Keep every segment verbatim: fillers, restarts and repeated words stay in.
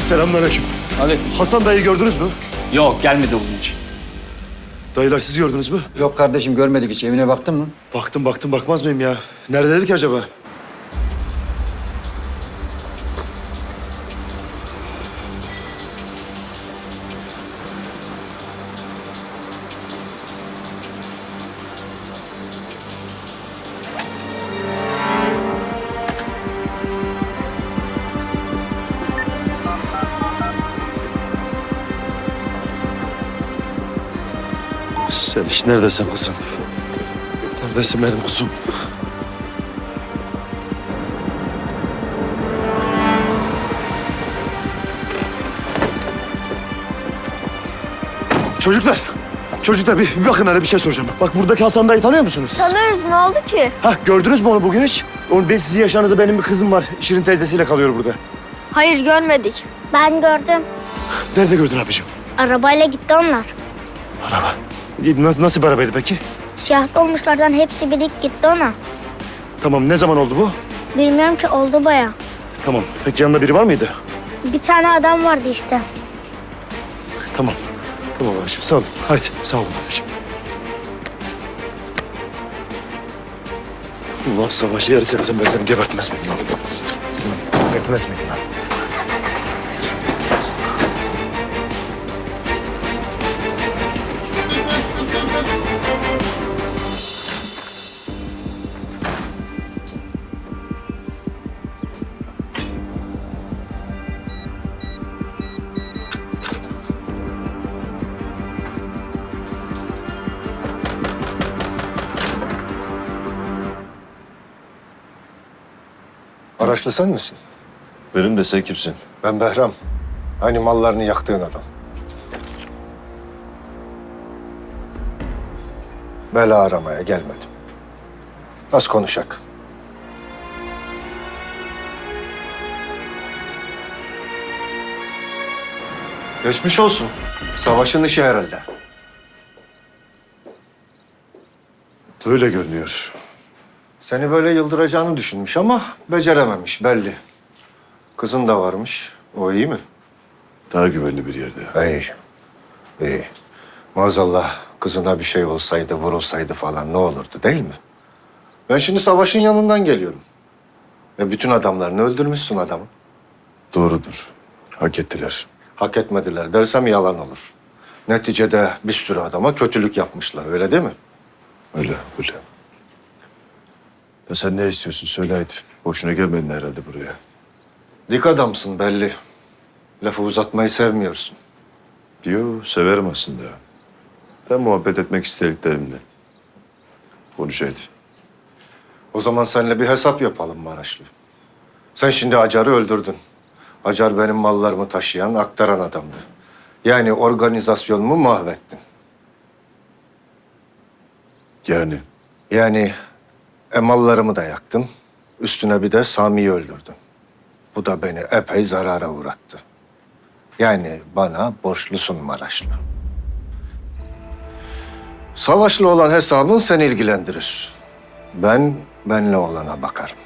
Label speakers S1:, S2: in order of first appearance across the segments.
S1: Selamünaleyküm.
S2: Hadi.
S1: Hasan dayı gördünüz mü?
S2: Yok, gelmedi bunun için.
S1: Dayılar siz gördünüz mü?
S3: Yok kardeşim görmedik hiç. Evine baktın mı?
S1: Baktım baktım bakmaz mıyım ya? Neredeler ki acaba? Sen iş neredesin kızım? Neredesin benim kuzum? Çocuklar, çocuklar bir, bir bakın hele bir şey soracağım. Bak buradaki Hasan dayı tanıyor musunuz siz?
S4: Tanıyoruz, ne oldu ki?
S1: Hah, gördünüz mü onu bugün hiç? Onu ben sizin yaşlarınızda benim bir kızım var. Şirin teyzesiyle kalıyor burada.
S4: Hayır, görmedik.
S5: Ben gördüm.
S1: Nerede gördün abicim?
S5: Arabayla gitti onlar.
S1: Araba. Nasıl, nasıl bir arabaydı peki?
S5: Siyah dolmuşlardan hepsi birlik gitti ona.
S1: Tamam, ne zaman oldu bu?
S5: Bilmiyorum ki, oldu baya.
S1: Tamam, peki yanında biri var mıydı?
S5: Bir tane adam vardı işte.
S1: Tamam. Tamam abiciğim, sağ olun. Haydi, sağ olun abiciğim. Allah savaşı yersen sen ben seni gebertmez miyim lan? Seni gebertmez miyim lan?
S6: Araçlı sen misin?
S7: Benim de sen kimsin?
S6: Ben Behram. Hani mallarını yaktığın adam. Bela aramaya gelmedim. Az konuşak. Geçmiş olsun. Savaşın işi herhalde.
S7: Öyle görünüyor.
S6: Seni böyle yıldıracağını düşünmüş ama becerememiş belli. Kızın da varmış. O iyi mi?
S7: Daha güvenli bir yerde.
S6: İyi. İyi. Maazallah kızına bir şey olsaydı, vurulsaydı falan ne olurdu değil mi? Ben şimdi savaşın yanından geliyorum. Ve bütün adamlarını öldürmüşsün adamı.
S7: Doğrudur. Hak ettiler.
S6: Hak etmediler dersem yalan olur. Neticede bir sürü adama kötülük yapmışlar, öyle değil mi?
S7: Öyle, öyle. Ya sen ne istiyorsun söyle haydi. Boşuna gelmedin herhalde buraya.
S6: Dik adamsın belli. Lafı uzatmayı sevmiyorsun.
S7: Yo, severim aslında. Ben muhabbet etmek istediklerimle. Konuş haydi.
S6: O zaman seninle bir hesap yapalım Maraşlı. Sen şimdi Acar'ı öldürdün. Acar benim mallarımı taşıyan, aktaran adamdı. Yani organizasyonumu mahvettin.
S7: Yani
S6: Yani e, mallarımı da yaktın. Üstüne bir de Sami'yi öldürdün. Bu da beni epey zarara uğrattı. Yani bana borçlusun Maraşlı. Savaşlı olan hesabın seni ilgilendirir. Ben benle olana bakarım.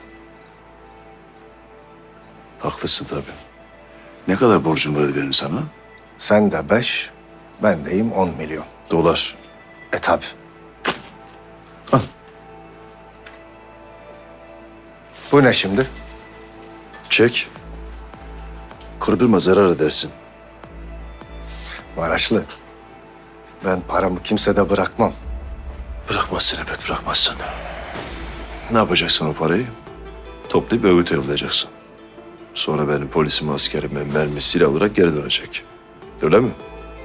S7: haklısın tabii. Ne kadar borcum vardı benim sana?
S6: Sen de beş, ben deyim on milyon.
S7: Dolar.
S6: E tabi. Bu ne şimdi?
S7: Çek. Kırdırma zarar edersin.
S6: Maraşlı. Ben paramı kimsede bırakmam.
S7: Bırakmazsın elbet bırakmazsın. Ne yapacaksın o parayı? Toplayıp Öğüt'e yollayacaksın. Sonra benim polisim, askerime mermi, silah olarak geri dönecek. Öyle mi?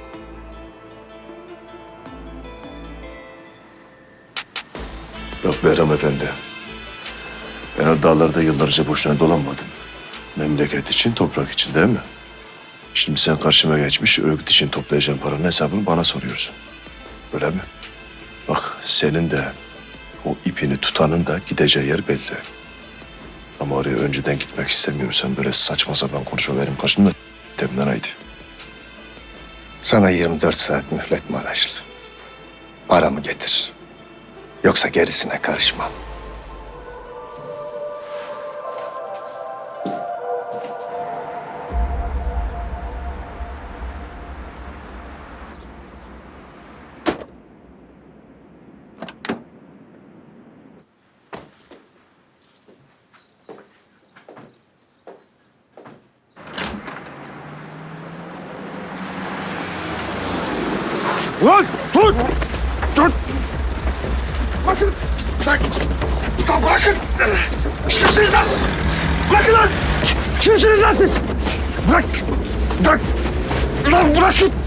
S7: Yok Behram Efendi. Ben o dağlarda yıllarca boşuna dolanmadım. Memleket için, toprak için değil mi? Şimdi sen karşıma geçmiş, örgüt için toplayacağın paranın hesabını bana soruyorsun. Öyle mi? Bak senin de o ipini tutanın da gideceği yer belli. Ama oraya önceden gitmek istemiyorsan böyle saçma sapan konuşma benim karşımda demden haydi.
S6: Sana yirmi dört saat mühlet Maraşlı. Paramı getir. Yoksa gerisine karışmam.
S1: Ulan dur! Dur! Bakın! Bak! Ulan bırakın! Kimsiniz lan siz? Bırakın lan! Kimsiniz lan siz? Bırak! Bırak! Ulan bırakın!